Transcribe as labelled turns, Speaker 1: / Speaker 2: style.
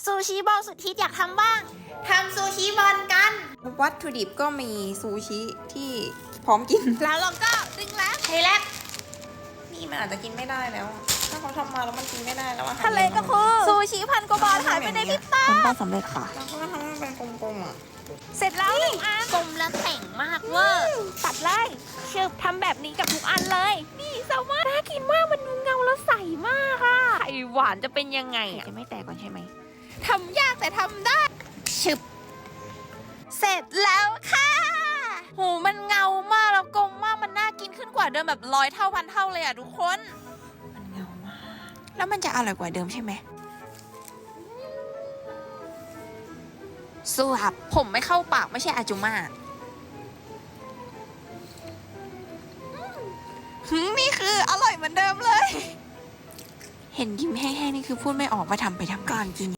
Speaker 1: ซูชิบอลสุดฮิตอยากทำบ้างทำซูชิบอลกัน
Speaker 2: วัตถุดิบก็มีซูชิที่พร้อมกิน
Speaker 1: แล้วเราก็ดึงแล้วเทแล้ว
Speaker 2: นี่มันอาจจะกินไม่ได้แล้ว ถ้าเขาทำมาแล้วมันกินไม่ได้แล้วอะ
Speaker 1: ทะเลก็คือซูชิพันกว่าบาทหายไปในพริบตา
Speaker 2: ทำได้สำเร็จค่ะแล้วก็ทำให้มันเป็นกลมๆอ่ะ
Speaker 1: เสร็จแล้ว1 อันกลมและแต่งมากเวอร์ตัดเลยชึบทำแบบนี้กับทุกอันเลย นี่แซลมอนน่ากินมากมันเงาแล้วใสมากอะไข่หวานจะเป็นยังไงอะ
Speaker 2: จะไม่แตกก่อนใช่ไหม
Speaker 1: ทำยากแต่ทำได้ชึบเสร็จแล้วค่ะโหมันเงามากแล้วกลมมากมันน่ากินขึ้นกว่าเดิมแบบ100 เท่าพันเท่าเลยอะทุกคน
Speaker 2: มันเงามาก แล้วมันจะอร่อยกว่าเดิมใช่ไหม
Speaker 1: สู้ครับผมไม่เข้าปากไม่ใช่อาจุมานี่คืออร่อยเหมือนเดิมเลย
Speaker 2: เห็นยิ้มแห้งๆนี่คือพูดไม่ออกว่าทำไปทำก่อนกิน